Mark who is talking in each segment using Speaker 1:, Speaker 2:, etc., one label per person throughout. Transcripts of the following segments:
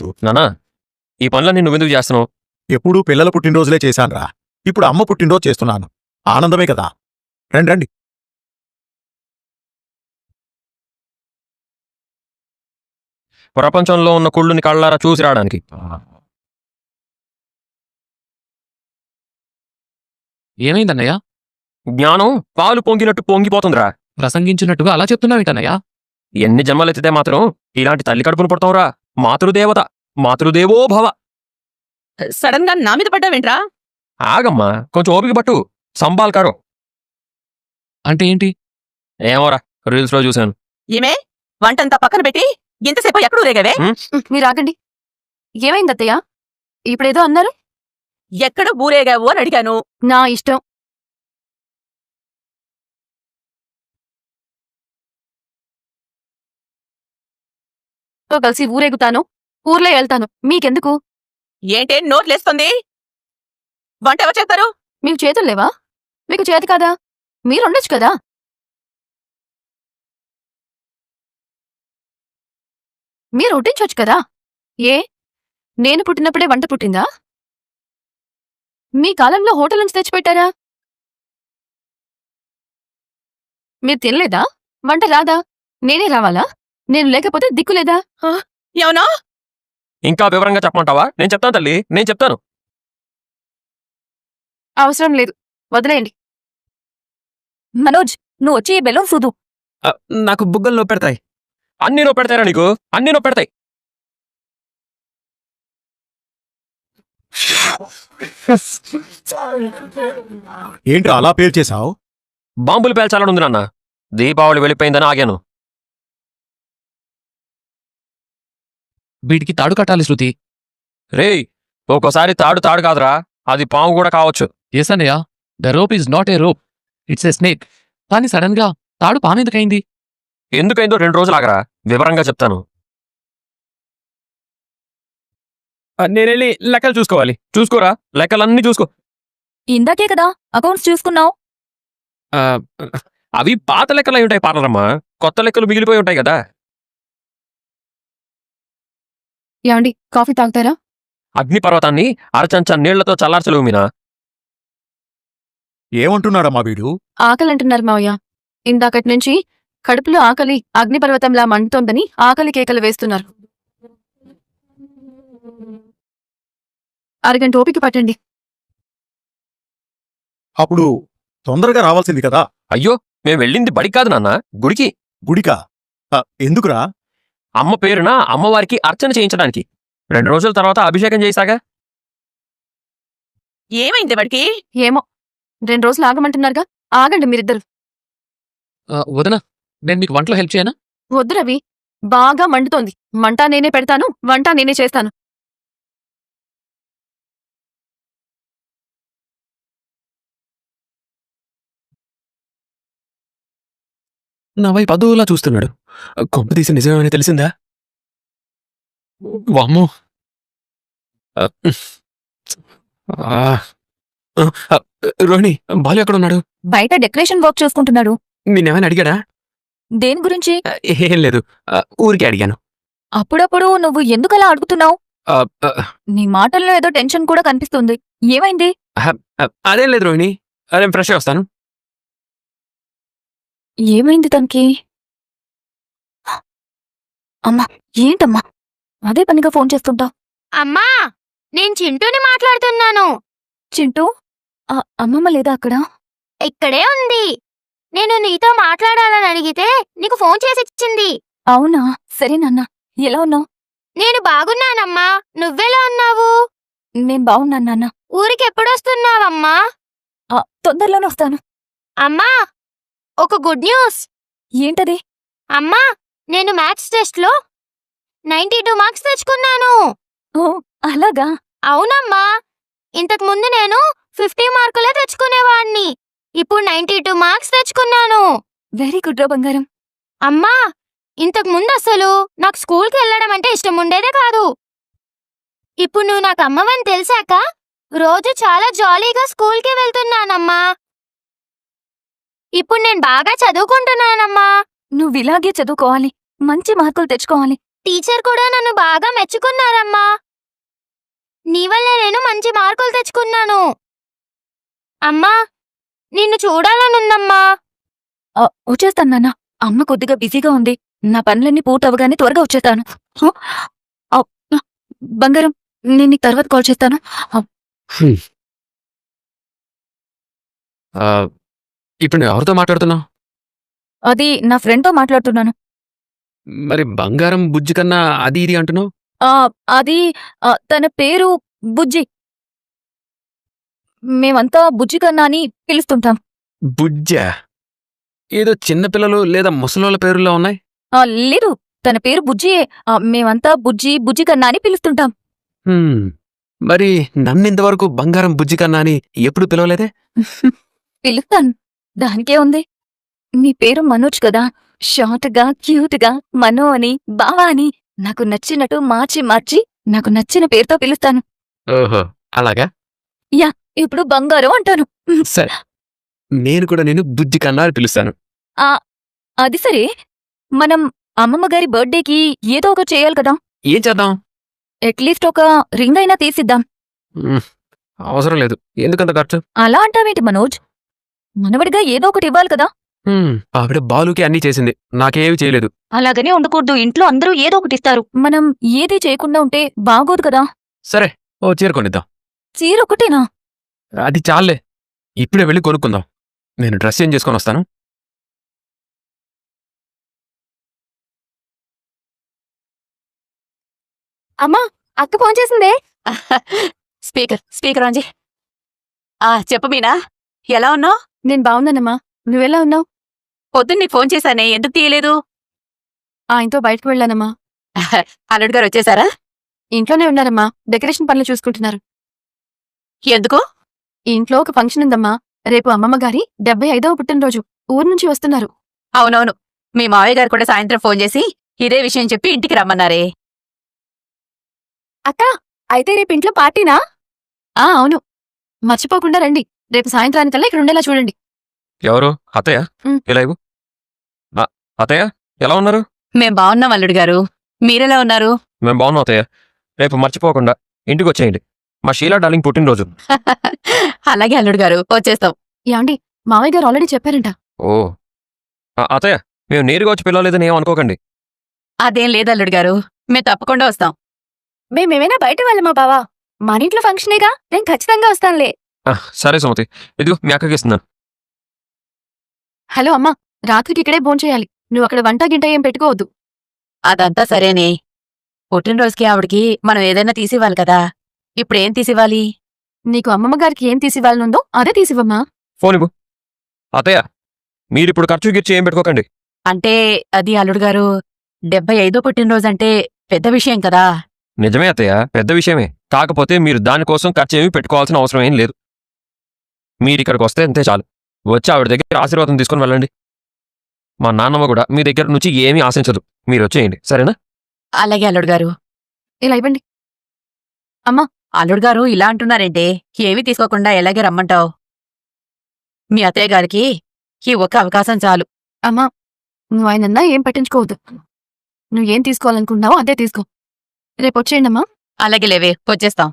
Speaker 1: నానా ఈ పనులన్నీ నువ్వెందుకు చేస్తున్నావు?
Speaker 2: ఎప్పుడూ పిల్లల పుట్టినరోజులే చేశానురా. ఇప్పుడు అమ్మ పుట్టినరోజు చేస్తున్నాను. ఆనందమే కదా. రండి రండి.
Speaker 1: ప్రపంచంలో ఉన్న కుళ్ళుని కళ్ళారా చూసి రావడానికి.
Speaker 3: ఏమైందన్నయ్య?
Speaker 1: జ్ఞానం పాలు పొంగినట్టు పొంగిపోతుందిరా.
Speaker 3: ప్రసంగించినట్టుగా అలా చెప్తున్నావేంటన్నయ్య?
Speaker 1: ఎన్ని జన్మలెత్తితే మాత్రం ఇలాంటి తల్లి కడుపును పుడతావురా. మాతృదేవత, మాతృదేవో భవ.
Speaker 4: సడన్ గా నా మీద పడ్డావేంట్రా?
Speaker 1: ఆగమ్మా, కొంచెం ఓపిక పట్టు. సంబాల్కారో
Speaker 3: అంటే ఏంటి?
Speaker 1: ఏమోరా, రీల్స్ లో చూశాను.
Speaker 4: ఏమే వంటంతా పక్కన పెట్టి ఎంతసేపు ఎక్కడూ రేగావే?
Speaker 5: మీరు ఆగండి. ఏమైంది అత్తయ్య? ఇప్పుడేదో అన్నారు.
Speaker 4: ఎక్కడ ఊరేగావు అని అడిగాను.
Speaker 5: నా ఇష్టం. తో కలిసి ఊరేగుతాను, ఊర్లో వెళ్తాను. మీకెందుకు?
Speaker 4: ఏంటే నోట్లేస్తుంది? వంట ఎవరు చేస్తారు?
Speaker 5: మీకు చేతులు లేవా? మీకు చేతి కాదా? మీరుండొచ్చు కదా. మీరు వడ్డించొచ్చు కదా. ఏ నేను పుట్టినప్పుడే వంట పుట్టిందా? మీ కాలంలో హోటల్ నుంచి తెచ్చిపెట్టారా? మీరు తినలేదా? వంట రాదా? నేనే రావాలా? నేను లేకపోతే దిక్కులేదా?
Speaker 4: ఏమన్నా?
Speaker 1: ఇంకా వివరంగా చెప్పమంటావా? నేను చెప్తాను తల్లి, నేను చెప్తాను.
Speaker 5: అవసరం లేదు, వదిలేయండి. మనోజ్, నువ్వు వచ్చి ఈ బెలూన్ సూదు.
Speaker 3: నాకు బుగ్గలు నొప్పెడతాయి.
Speaker 1: అన్నీ నో పెడతారా నీకు? అన్నీ నో పెడతాయి.
Speaker 2: ఏంట్రా అలా పేల్చేశావు?
Speaker 1: బాంబులు పేల్చాలనుంది నాన్న. దీపావళి వెళ్ళిపోయిందని ఆగాను.
Speaker 3: వీటికి తాడు కట్టాలి శృతి.
Speaker 1: రేయ్, ఒక్కోసారి తాడు తాడు కాదురా, అది పాము కూడా కావచ్చు.
Speaker 3: ఎస్ అన్నయ్య, the rope is not a rope, it's a snake. కానీ సడన్ గా తాడు పామెందుకైంది?
Speaker 1: ఎందుకైందో 2 రోజులు ఆగరా, వివరంగా చెప్తాను. నేనెళ్ళి లెక్కలు చూసుకోవాలి. చూసుకోరా, లెక్కలన్నీ చూసుకో.
Speaker 5: ఇందాకే కదా అకౌంట్స్ చూసుకున్నావు.
Speaker 1: అవి పాత లెక్కలు అయి ఉంటాయి పార్లరమ్మా. కొత్త లెక్కలు మిగిలిపోయి ఉంటాయి కదా.
Speaker 5: యాండి, కాఫీ తాగుతారా?
Speaker 1: అగ్నిపర్వతాన్ని అరచంచా నీళ్లతో చల్లార్చలేవు మీనా.
Speaker 2: ఏమంటున్నాడమ్మా వీడు?
Speaker 5: ఆకలంటున్నారు మావయ్య. ఇందాకటి నుంచి కడుపులో ఆకలి అగ్నిపర్వతంలా మండుతోందని ఆకలి కేకలు వేస్తున్నారు. అరగంట ఓపిక పట్టండి.
Speaker 2: అప్పుడు తొందరగా రావాల్సింది కదా.
Speaker 1: అయ్యో, మేం వెళ్ళింది బడికి కాదు నాన్న, గుడికి.
Speaker 2: గుడికా? ఎందుకురా?
Speaker 1: అమ్మ పేరున అమ్మవారికి అర్చన చేయించడానికి. 2 రోజుల తర్వాత అభిషేకం చేశాగా.
Speaker 4: ఏమైంది వాడికి?
Speaker 5: ఏమో, 2 రోజులు ఆగమంటున్నారుగా. ఆగండి మీరిద్దరు.
Speaker 3: వదనా, నేను మీకు వంటలో హెల్ప్ చేయనా?
Speaker 5: వద్దు రవి, బాగా మండుతోంది. మంట నేనే పెడతాను, వంట నేనే చేస్తాను.
Speaker 3: నా వైపు అదోలా చూస్తున్నాడు. కొంప తీసి నిజమేమని తెలిసిందా? వామ్మో. రోహిణి, బాలు ఎక్కడున్నాడు?
Speaker 5: బయట డెకరేషన్ వర్క్ చూసుకుంటున్నాడు.
Speaker 3: నేనేమైనా అడిగాడా?
Speaker 5: దేని గురించి?
Speaker 3: ఏం లేదు, ఊరికే అడిగాను.
Speaker 5: అప్పుడప్పుడు నువ్వు ఎందుకలా అడుగుతున్నావు? నీ మాటల్లో ఏదో టెన్షన్ కూడా కనిపిస్తుంది. ఏమైంది?
Speaker 3: అదేం లేదు రోహిణి, నేను ఫ్రెష్ వస్తాను.
Speaker 5: ఏమైంది తనకి? అమ్మా, ఏంటమ్మా అదే పనిగా ఫోన్ చేస్తుంటావు?
Speaker 6: అమ్మా, నేను చింటూని మాట్లాడుతున్నాను.
Speaker 5: చింటూ, అమ్మమ్మ లేదా అక్కడ?
Speaker 6: ఇక్కడే ఉంది. నేను నీతో మాట్లాడాలని అడిగితే నీకు ఫోన్ చేసి ఇచ్చింది.
Speaker 5: అవునా? సరే నాన్న, ఎలా ఉన్నావు?
Speaker 6: నేను బాగున్నానమ్మా, నువ్వెలా ఉన్నావు?
Speaker 5: నేను బాగున్నాను నాన్న.
Speaker 6: ఊరికెప్పుడొస్తున్నావమ్మా?
Speaker 5: తొందరలోనే వస్తాను.
Speaker 6: అమ్మా, ఒక గుడ్ న్యూస్.
Speaker 5: ఏంటది?
Speaker 6: అమ్మా, నేను మ్యాథ్స్ టెస్ట్లో 92 మార్క్స్ తెచ్చుకున్నాను.
Speaker 5: ఓ, అలాగా?
Speaker 6: అవునమ్మా, ఇంతకు ముందు నేను 50 మార్కులే తెచ్చుకునేవాణ్ణి. ఇప్పుడు 92 మార్క్స్ తెచ్చుకున్నాను.
Speaker 5: వెరీ గుడ్ రా బంగారం.
Speaker 6: అమ్మా, ఇంతకు ముందు అసలు నాకు స్కూల్కి వెళ్ళడం అంటే ఇష్టం ఉండేదే కాదు. ఇప్పుడు నువ్వు నాకు అమ్మవని తెలిసాక రోజు చాలా జాలీగా స్కూల్కి వెళ్తున్నానమ్మా. ఇప్పుడు నేను బాగా చదువుకుంటున్నానమ్మా.
Speaker 5: నువ్విలాగే చదువుకోవాలి, మంచి మార్కులు తెచ్చుకోవాలి.
Speaker 6: టీచర్ కూడా నన్ను బాగా మెచ్చుకున్నారమ్మా. నీ వల్లే నేను మంచి మార్కులు తెచ్చుకున్నాను. అమ్మా, నిన్ను చూడాలనుందమ్మా.
Speaker 5: వచ్చేస్తాను నాన్న. అమ్మ కొద్దిగా బిజీగా ఉంది. నా పనులన్నీ పూర్తవగానే త్వరగా వచ్చేస్తాను. బంగారం, నేను నీకు తర్వాత కాల్ చేస్తాను.
Speaker 3: ఇప్పుడు నువ్వు ఎవరితో మాట్లాడుతున్నావు?
Speaker 5: అది నా ఫ్రెండ్తో మాట్లాడుతున్నాను.
Speaker 3: మరి బంగారం బుజ్జి కన్నా అది ఇది అంటున్నావు?
Speaker 5: అది తన పేరు బుజ్జి. మేమంతా బుజ్జి కన్నా అని పిలుస్తుంటాం.
Speaker 3: బుజ్జా? ఏదో చిన్నపిల్లలు లేదా ముసలోళ్ళ పేరుల్లో ఉన్నాయి.
Speaker 5: లేదు, తన పేరు బుజ్జియే. మేమంతా బుజ్జి బుజ్జి కన్నా అని పిలుస్తుంటాం.
Speaker 3: మరి నన్నింతవరకు బంగారం బుజ్జి కన్నా అని ఎప్పుడు పిలవలేదే?
Speaker 5: పిలుస్తాను, దానికే ఉంది. నీ పేరు మనోజ్ కదా. షార్ట్గా క్యూట్గా మనో అని బావా అని నాకు నచ్చినట్టు మార్చి మార్చి నాకు నచ్చిన పేరుతో పిలుస్తాను.
Speaker 3: ఓహో, అలాగా?
Speaker 5: ఇప్పుడు బంగారం అంటాను.
Speaker 3: సరే, నేను కూడా నేను బుజ్జి కన్నా అని పిలుస్తాను.
Speaker 5: అది సరే, మనం అమ్మమ్మ గారి బర్త్డేకి ఏదో ఒకటి చేయాలి కదా.
Speaker 3: ఏం చేద్దాం?
Speaker 5: అట్లీస్ట్ ఒక రింగ్ అయినా తీసిద్దాం.
Speaker 3: అవసరం లేదు. ఎందుకంత ఖర్చు?
Speaker 5: అలా అంటావేంటి మనోజ్? మనవడిగా ఏదో ఒకటి ఇవ్వాలి కదా.
Speaker 3: ఆవిడ బాలుకి అన్నీ చేసింది, నాకేమీ చేయలేదు.
Speaker 5: అలాగనే ఉండకూడదు. ఇంట్లో అందరూ ఏదో ఒకటి ఇస్తారు. మనం ఏది చేయకుండా ఉంటే బాగోదు కదా.
Speaker 3: సరే, ఓ చీర కొనిద్దాం.
Speaker 5: చీర ఒకటేనా?
Speaker 3: అది చాలే, ఇప్పుడే వెళ్ళి కొనుక్కుందాం. నేను డ్రెస్ చేంజ్ చేసుకొని వస్తాను.
Speaker 5: అమ్మా, అక్క ఫోన్ చేసిందే.
Speaker 4: స్పీకర్ ఆంజీ. చెప్పు మీనా, ఎలా ఉన్నావు?
Speaker 5: నేను బాగున్నానమ్మా, నువ్వెలా ఉన్నావు?
Speaker 4: పొద్దున్న నీకు ఫోన్ చేశానే, ఎందుకు తీయలేదు?
Speaker 5: ఆయనతో బయటకు వెళ్ళానమ్మా.
Speaker 4: అల్లుడు గారు వచ్చేసారా?
Speaker 5: ఇంట్లోనే ఉన్నారమ్మా, డెకరేషన్ పనులు చూసుకుంటున్నారు.
Speaker 4: ఎందుకు?
Speaker 5: ఇంట్లో ఒక ఫంక్షన్ ఉందమ్మా. రేపు అమ్మమ్మ గారి 75వ పుట్టినరోజు. ఊరు నుంచి వస్తున్నారు.
Speaker 4: అవునవును, మీ మావయ్య గారు కూడా సాయంత్రం ఫోన్ చేసి ఇదే విషయం చెప్పి ఇంటికి రమ్మన్నారే.
Speaker 5: అక్క, అయితే రేపు ఇంట్లో పార్టీనా? అవును, మర్చిపోకుండా రండి. రేపు సాయంత్రానికల్లా ఇక్కడ ఉండేలా చూడండి.
Speaker 1: ఎవరు? అత్తయ్య?
Speaker 5: ఉమ్.
Speaker 1: ఇలా ఇవ్వు. అత్తయ్య, ఎలా ఉన్నారు?
Speaker 4: మేం బాగున్నాం అల్లుడు గారు, మీరెలా ఉన్నారు?
Speaker 1: మేము బాగున్నాం అత్తయ్య. రేపు మర్చిపోకుండా ఇంటికి వచ్చేయండి. మా షీలా డార్లింగ్ పుట్టినరోజు.
Speaker 4: అలాగే అల్లుడు గారు, వచ్చేస్తాం.
Speaker 5: యాండి, మావయ్య గారు ఆల్రెడీ చెప్పారంట.
Speaker 1: ఓ అత్తయ్య, మేము నేరుగా వచ్చి పిలవలేదని ఏం అనుకోకండి.
Speaker 4: అదేం లేదు అల్లుడు గారు, మేము తప్పకుండా వస్తాం.
Speaker 5: మేమేమైనా బయట వెళ్ళమా బావా? మన ఇంట్లో ఫంక్షనేగా, నేను ఖచ్చితంగా వస్తానులే.
Speaker 1: సరే సుమతి, ఇదిగో మీ అక్కకి ఇస్తున్నాను.
Speaker 5: హలో అమ్మా, రాత్రికి ఇక్కడే భోంచేయాలి. నువ్వు అక్కడ వంట గింట ఏం పెట్టుకోవద్దు.
Speaker 4: అదంతా సరేనే, పుట్టినరోజుకి ఆవిడికి మనం ఏదైనా తీసివ్వాలి కదా. ఇప్పుడేం తీసివ్వాలి?
Speaker 5: నీకు అమ్మమ్మ గారికి ఏం తీసివ్వాలనుందో అదే తీసివ్వమ్మా.
Speaker 1: ఫోన్ ఇవ్వు. అత్తయ్య, మీరిప్పుడు ఖర్చు గిర్చి ఏం పెట్టుకోకండి.
Speaker 4: అంటే అది అల్లుడు గారు, 75వ పుట్టినరోజంటే పెద్ద విషయం కదా.
Speaker 1: నిజమే అత్తయ్య, పెద్ద విషయమే. కాకపోతే మీరు దానికోసం ఖర్చు ఏమీ పెట్టుకోవాల్సిన అవసరం ఏం లేదు. మీరిక్కడికి వస్తే అంతే చాలు. వచ్చి ఆవిడ దగ్గర ఆశీర్వాదం తీసుకుని వెళ్ళండి. మా నాన్నమ్మ కూడా మీ దగ్గర నుంచి ఏమీ ఆశించదు. మీరు వచ్చేయండి, సరేనా?
Speaker 4: అలాగే అల్లుడు గారు.
Speaker 5: ఇలా ఇవ్వండి.
Speaker 4: అల్లుడు గారు ఇలా అంటున్నారేంటే, ఏమీ తీసుకోకుండా ఎలాగే రమ్మంటావు? మీ అత్తయ్య గారికి ఈ ఒక్క అవకాశం చాలు.
Speaker 5: అమ్మా, నువ్వు ఆయనన్నా ఏం పట్టించుకోవద్దు. నువ్వేం తీసుకోవాలనుకున్నావో అదే తీసుకో. రేపు వచ్చేయండి అమ్మా.
Speaker 4: అలాగే లేవే, వచ్చేస్తాం.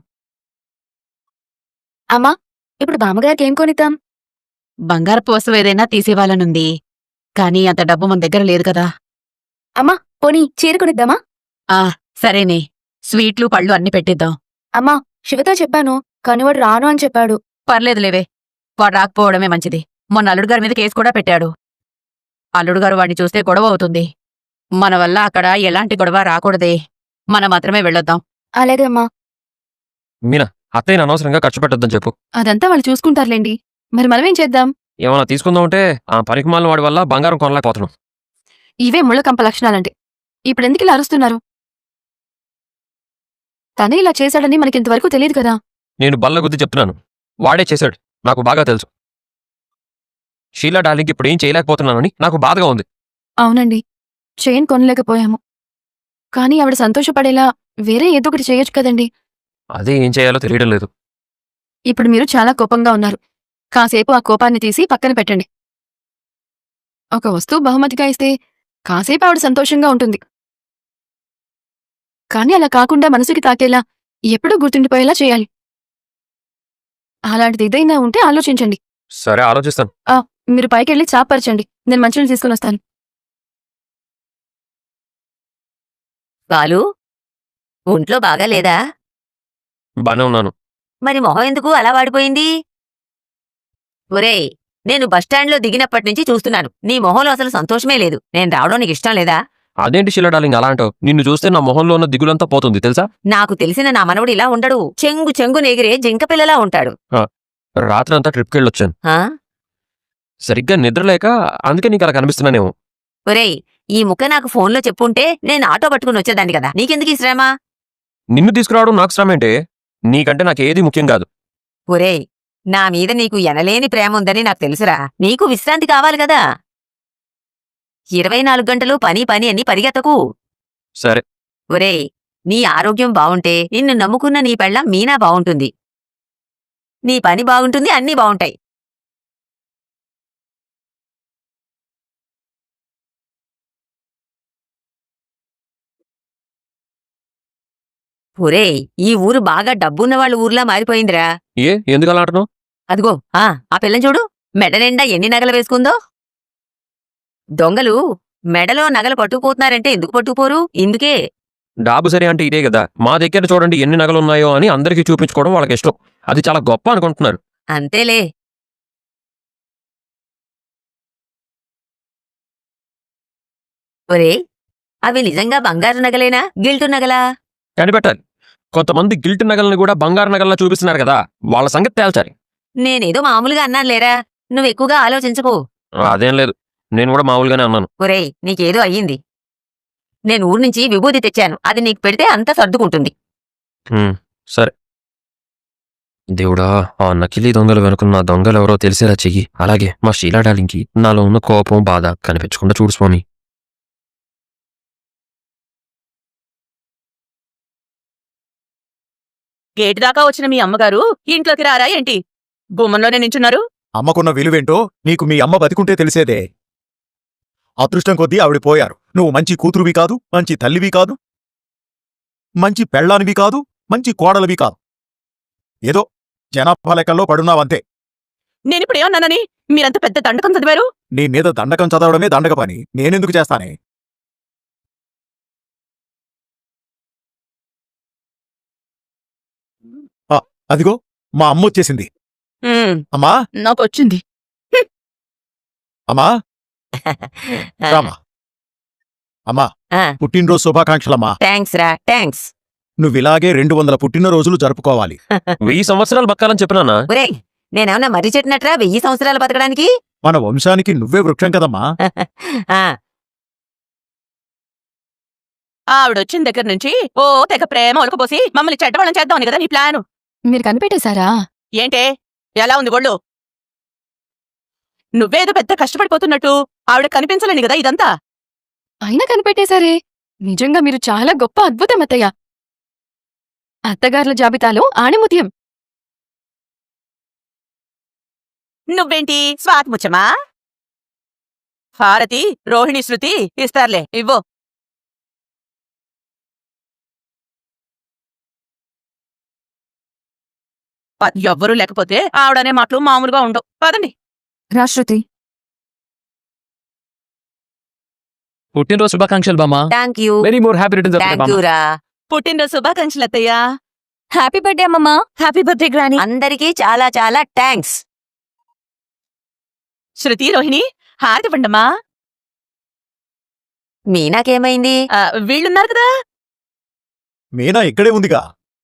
Speaker 5: అమ్మా, ఇప్పుడు బామ్మగారికి ఏం కొనిద్దాం?
Speaker 4: బంగారపు వస్తువు ఏదైనా తీసివ్వాలనుంది, కానీ అంత డబ్బు మన దగ్గర లేదు కదా.
Speaker 5: అమ్మా, పోనీ చీర కొనిద్దామా?
Speaker 4: సరేనే, స్వీట్లు పళ్ళు అన్ని పెట్టిద్దాం.
Speaker 5: అమ్మా, శివతో చెప్పాను, కానీ వాడు రాను అని చెప్పాడు.
Speaker 4: పర్లేదు లేవే, వాడు రాకపోవడమే మంచిది. మొన్న అల్లుడు గారి మీద కేసు కూడా పెట్టాడు. అల్లుడు గారు వాడిని చూస్తే గొడవ అవుతుంది. మన వల్ల అక్కడ ఎలాంటి గొడవ రాకూడదే. మనం మాత్రమే వెళ్ళొద్దాం.
Speaker 5: అలాగే అమ్మా.
Speaker 1: మీనా, అత్తయ్యని అనవసరంగా ఖర్చు పెట్టొద్దని చెప్పు.
Speaker 5: అదంతా వాళ్ళు చూసుకుంటారులేండి. మరి మనమేం చేద్దాం?
Speaker 1: ఏమన్నా తీసుకుందామంటే ఆ పనికిమాలిన వాడి వల్ల బంగారం కొనలేకపోతున్నాం.
Speaker 5: ఇవే ముళ్ళకంప లక్షణాలంటే. ఇప్పుడెందుకు ఇలా అరుస్తున్నారు? తనే ఇలా చేశాడని మనకింతవరకు తెలియదు కదా.
Speaker 1: నేను బల్లగుద్ది చెప్తున్నాను, వాడే చేశాడు. నాకు బాగా తెలుసు. షీలా డార్లింగ్ ఇప్పుడు ఏం చేయలేకపోతున్నానని నాకు బాధగా ఉంది.
Speaker 5: అవునండి, చైన్ కొనలేకపోయాము. కానీ ఆవిడ సంతోషపడేలా వేరే ఏదో ఒకటి చేయొచ్చు కదండి.
Speaker 1: అదే ఏం చేయాలో తెలియడం లేదు.
Speaker 5: ఇప్పుడు మీరు చాలా కోపంగా ఉన్నారు. కాసేపు ఆ కోపాన్ని తీసి పక్కన పెట్టండి. ఒక వస్తువు బహుమతిగా ఇస్తే కాసేపు ఆవిడ సంతోషంగా ఉంటుంది. కానీ అలా కాకుండా మనసుకి తాకేలా ఎప్పుడూ గుర్తుండిపోయేలా చేయాలి. అలాంటిది ఏదైనా ఉంటే ఆలోచించండి.
Speaker 1: సరే ఆలోచిస్తాను.
Speaker 5: మీరు పైకెళ్ళి చాపరచండి, నేను మంచినీళ్ళు తీసుకుని వస్తాను.
Speaker 4: బాలు, ఒంట్లో బాగా లేదా?
Speaker 1: బానే ఉన్నాను.
Speaker 4: మరి మొహం ఎందుకు అలా వాడిపోయింది? ఒరేయ్, నేను బస్టాండ్లో దిగినప్పటి నుంచి చూస్తున్నాను, నీ మొహంలో అసలు సంతోషమే లేదు. నేను రావడం నీకు ఇష్టం లేదా?
Speaker 1: అదేంటి షీలా డార్లింగ్ అలా అంటావు? నిన్ను చూస్తే నా మొహంలో ఉన్న దిగులంతా పోతుంది తెలుసా?
Speaker 4: నాకు తెలిసిన నా మనవడు ఇలా ఉండడు. చెంగు చెంగు నెగిరే జింక పిల్లలా ఉంటాడు.
Speaker 1: రాత్రంతా ట్రిప్కి వెళ్ళొచ్చాను.
Speaker 4: ఆ?
Speaker 1: సరిగ్గా నిద్రలేక అందుకే నీకు అలా కనిపిస్తున్నానేమో.
Speaker 4: ఒరేయ్, ఈ ముక్క నాకు ఫోన్లో చెప్పుంటే నేను ఆటో పట్టుకుని వచ్చేదాన్ని కదా. నీకెందుకు ఈ శ్రమ?
Speaker 1: నిన్ను తీసుకురావడం నాకు శ్రమేంటే? నీకంటే నాకు ఏది ముఖ్యం కాదు.
Speaker 4: ఒరేయ్, నా మీద నీకు ఎనలేని ప్రేమ ఉందని నాకు తెలుసురా. నీకు విశ్రాంతి కావాలి కదా. 24 గంటలు పని పని అని పరిగెత్తకు.
Speaker 1: సరే.
Speaker 4: ఒరేయ్, నీ ఆరోగ్యం బావుంటే నిన్ను నమ్ముకున్న నీ పెళ్ళాం మీనా బావుంటుంది. నీ పని బాగుంటుంది, అన్నీ బావుంటాయి. ఒరేయ్, ఈ ఊరు బాగా డబ్బున్న వాళ్ళ ఊర్లా మారిపోయిందిరా.
Speaker 1: ఎందుకు అలా అంటున్నావు?
Speaker 4: అదిగో ఆ పిల్లని చూడు, మెడ నిండా ఎన్ని నగలు వేసుకుందో. దొంగలు మెడలో నగలు పట్టుకుపోతున్నారంటే ఎందుకు పట్టుకుపోరు? ఇందుకే.
Speaker 1: డాబు సరే అంటే ఇదే కదా. మా దగ్గర చూడండి ఎన్ని నగలున్నాయో అని అందరికీ చూపించుకోవడం వాళ్ళకి ఇష్టం. అది చాలా గొప్ప అనుకుంటున్నారు.
Speaker 4: అంతేలే. ఒరేయ్, అవి నిజంగా బంగారు నగలేనా, గిల్టు నగలా?
Speaker 1: కనిపెట్టాలి. కొంతమంది గిల్ట్ నగల్ని కూడా బంగారు నగల్లా చూపిస్తున్నారు కదా, వాళ్ళ సంగతి తేల్చాలి.
Speaker 4: నేనేదో మామూలుగా అన్నాను లేరా, నువ్వెక్కువగా ఆలోచించకు.
Speaker 1: అదేం లేదు, నేను కూడా మామూలుగానే అన్నాను.
Speaker 4: ఒరేయ్, నీకేదో అయ్యింది. నేను ఊరు నుంచి విభూతి తెచ్చాను, అది నీకు పెడితే అంతా సర్దుకుంటుంది.
Speaker 1: సరే. దేవుడా, ఆ నకిలీ దొంగలు వెనుకున్న దొంగలెవరో తెలిసేలా చెయ్యి. అలాగే మా షీలా డార్లింగ్కి నాలో ఉన్న కోపం, బాధ కనిపించకుండా చూడు స్వామి.
Speaker 7: గేటు దాకా వచ్చిన మీ అమ్మగారు ఇంట్లోకి రారా ఏంటి? గుమ్మంలోనే నించున్నారు.
Speaker 2: అమ్మకున్న విలువేంటో నీకు మీ అమ్మ బతికుంటే తెలిసేదే. అదృష్టం కొద్దీ ఆవిడ పోయారు. నువ్వు మంచి కూతురువి కాదు, మంచి తల్లివి కాదు, మంచి పెళ్ళానివి కాదు, మంచి కోడలివి కాదు. ఏదో జనాభా లెక్కల్లో పడున్నావంతే.
Speaker 7: నేనిప్పుడేమన్నానని మీరంత పెద్ద దండకం చదివారు?
Speaker 2: నీ మీద దండకం చదవడమే దండక పని, నేనెందుకు చేస్తానే? అదిగో మా అమ్మ వచ్చేసింది. అమ్మా,
Speaker 7: నాకొచ్చింది.
Speaker 2: అమ్మా, రామా. అమ్మా,
Speaker 4: ఆ.
Speaker 2: పుట్టినరోజు శుభాకాంక్షలమ్మా.
Speaker 4: థ్యాంక్స్ రా, థ్యాంక్స్.
Speaker 2: నువ్విలాగే 200 పుట్టినరోజులు జరుపుకోవాలి.
Speaker 1: 1000 సంవత్సరాలు బతకాలని చెప్పినానా?
Speaker 4: ఒరేయ్, నేనేమన్నా మర్రి చెట్టినట్రా 1000 సంవత్సరాలు బతకడానికి?
Speaker 2: మన వంశానికి నువ్వే వృక్షం కదమ్మా.
Speaker 4: ఆ,
Speaker 7: ఆవిడొచ్చిన దగ్గర నుంచి ఓ తెగ ప్రేమ ఒలకపోసి మమ్మల్ని చెడ్డవాళ్ళం చేద్దామని కదా నీ ప్లాను.
Speaker 5: మీరు కనిపెట్టేశారా?
Speaker 7: ఏంటే, ఎలా ఉంది ఒళ్ళు? నువ్వేదో పెద్ద కష్టపడిపోతున్నట్టు ఆవిడ కనిపించలేని కదా ఇదంతా.
Speaker 5: అయినా కనిపెట్టేశారే. నిజంగా మీరు చాలా గొప్ప అద్భుతం అత్తయ్య. అత్తగారుల జాబితాలో ఆణిముత్యం.
Speaker 7: నువ్వేంటి స్వాతిముచ్చమా? భారతి, రోహిణి, శృతి ఇస్తారులే, ఇవ్వు. ఎవ్వరూ లేకపోతే ఆవిడనే మాటలు మామూలుగా ఉండవు. పదండి.
Speaker 5: రాశ్రుతి,
Speaker 3: పుట్టినరోజు శుభాకాంక్షలు బామ్మా.
Speaker 4: Thank you.
Speaker 1: Very more happy returns of the day,
Speaker 4: thank you
Speaker 1: బామ్మ.
Speaker 4: రా.
Speaker 7: పుట్టినరోజు శుభాకాంక్షలు అత్తయ్యా.
Speaker 5: హ్యాపీ బర్త్డే అమ్మమ్మా.
Speaker 7: Happy birthday granny.
Speaker 4: అందరికీ చాలా చాలా థ్యాంక్స్.
Speaker 7: శృతి, రోహిణి హారతి పండమ్మా.
Speaker 4: మీనాకేమైంది?
Speaker 7: వీళ్ళున్నారు కదా.
Speaker 2: మీనా ఇక్కడే ఉందిగా.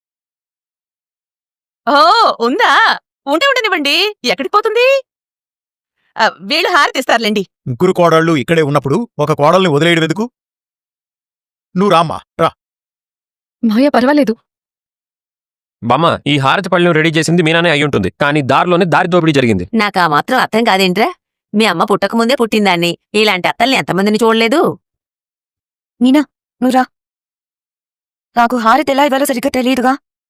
Speaker 7: ఓ, ఉందా? ఉంటే ఉండనివ్వండి, ఎక్కడికి పోతుంది? వీళ్ళు హారతి ఇస్తారులేండి.
Speaker 2: ముగ్గురు కోడళ్ళు ఇక్కడే ఉన్నప్పుడు ఒక కోడల్ని వదిలేయడం ఎందుకు? నువ్వు రామ్మా, రా.
Speaker 5: మాయ పర్వాలేదు.
Speaker 1: బామ్మ, ఈ హారతి పళ్ళెం రెడీ చేసింది మీనానే అయి ఉంటుంది, కానీ దారిలోనే దారి దోపిడీ జరిగింది.
Speaker 4: నాకు ఆ మాత్రం అర్థం కాదేంట్రా? మీ అమ్మ పుట్టకముందే పుట్టిందాన్ని. ఇలాంటి అత్తల్ని ఎంతమందిని చూడలేదు.
Speaker 5: మీనా, నువ్వురా. నాకు హారతి ఎలా ఇవ్వాలో సరిగ్గా తెలియదుగా.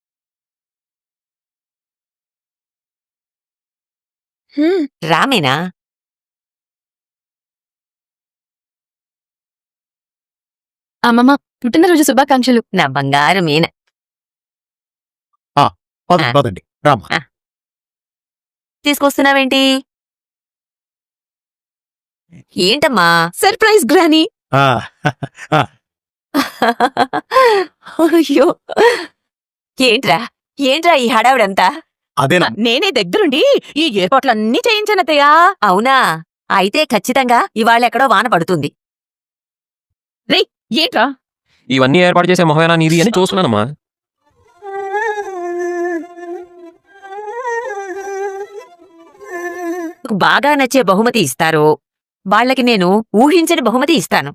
Speaker 4: రామేనా?
Speaker 5: అమ్మమ్మ, పుట్టినరోజు శుభాకాంక్షలు.
Speaker 4: నా బంగారు మీన.
Speaker 2: పదండి పదండి రామ్మా.
Speaker 4: తీసుకొస్తున్నావేంటి? ఏంటమ్మా?
Speaker 7: Surprise granny.
Speaker 2: ఆ,
Speaker 4: అయ్యో, ఏంట్రా ఏంట్రా ఈ హడావుడంతా?
Speaker 2: అదేనా
Speaker 7: నేనే దగ్గరుండి ఈ ఏర్పాట్లన్నీ చేయించానత్తయ్యా.
Speaker 4: అవునా? అయితే ఖచ్చితంగా ఇవాళ ఎక్కడో వాన పడుతుంది.
Speaker 7: ఏంట్రా?
Speaker 1: ఇవన్నీ ఏర్పాటు చేసే మొహమేనా నీది అని చూస్తున్నానమ్మా.
Speaker 4: నాకు బాగా నచ్చే బహుమతి ఇస్తారు. వాళ్ళకి నేను ఊహించని బహుమతి ఇస్తాను.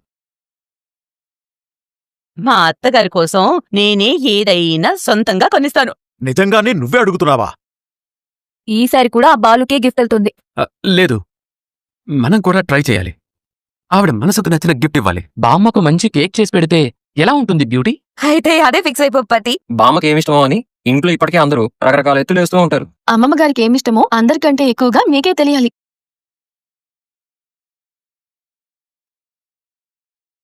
Speaker 7: మా అత్తగారి కోసం నేనే ఏదైనా సొంతంగా కొనిస్తాను.
Speaker 2: నిజంగానే నువ్వే అడుగుతున్నావా?
Speaker 5: ఈసారి కూడా ఆ బాలుకే గిఫ్ట్ వెళ్తుంది.
Speaker 8: లేదు, మనం కూడా ట్రై చేయాలి. ఆవిడ మనసుకు నచ్చిన గిఫ్ట్ ఇవ్వాలి.
Speaker 3: బామ్మకు మంచి కేక్ చేసి పెడితే ఎలా ఉంటుంది బ్యూటీ?
Speaker 4: అయితే అదే ఫిక్స్ అయిపోపతి.
Speaker 1: బామ్మకి ఏమిష్టమో అని ఇంట్లో ఇప్పటికే అందరూ రకరకాల ఎత్తులు వేస్తూ ఉంటారు.
Speaker 5: అమ్మమ్మ గారికి ఏమిష్టమో అందరికంటే ఎక్కువగా మీకే తెలియాలి.